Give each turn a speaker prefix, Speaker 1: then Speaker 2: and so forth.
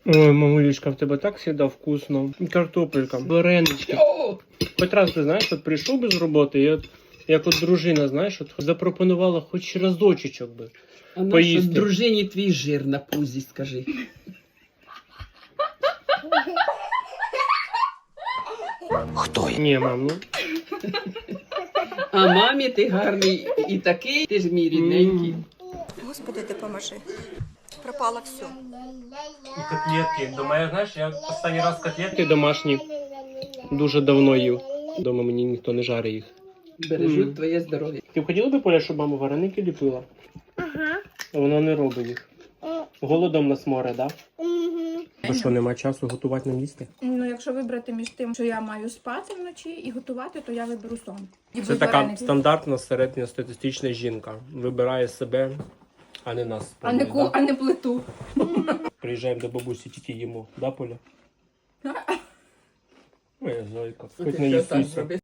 Speaker 1: Ой, мамулечка, в тебе так завжди вкусно. Картопелька, варенички. Хоч раз, ти знаєш, от прийшов би з роботи, і от, як от дружина, знаєш, от запропонувала хоч разочечок би.
Speaker 2: А нащо
Speaker 1: Поїсти.
Speaker 2: дружині твій жир на пузі, скажи.
Speaker 3: Хто я?
Speaker 1: Ні, мам, ну.
Speaker 2: А мамі ти гарний і такий, ти ж мій рідненький.
Speaker 4: Господи, допоможи. Пропало все.
Speaker 1: І котлетки. Думаю, знаєш, я останній раз котлетки домашні дуже давно їв. Дома мені ніхто не жарить їх.
Speaker 2: Бережуть твоє здоров'я.
Speaker 1: Ти б хотіла би, Поля, щоб мама вареники ліпила?
Speaker 5: Ага.
Speaker 1: А вона не робить їх. Голодом нас море, так? Да? Що, нема часу готувати нам їсти?
Speaker 5: Ну, якщо вибрати між тим, що я маю спати вночі і готувати, то я виберу сон. І
Speaker 1: Це
Speaker 5: без
Speaker 1: така
Speaker 5: вареників.
Speaker 1: стандартна середньостатистична жінка. Вибирає себе, а не нас.
Speaker 5: А не,
Speaker 1: да?
Speaker 5: а не плиту.
Speaker 1: Приїжджаємо до бабусі, тільки їмо. Да, Поля? Ой, зайка. Хоч не
Speaker 2: Ти що так
Speaker 1: їсися.
Speaker 2: зробиш?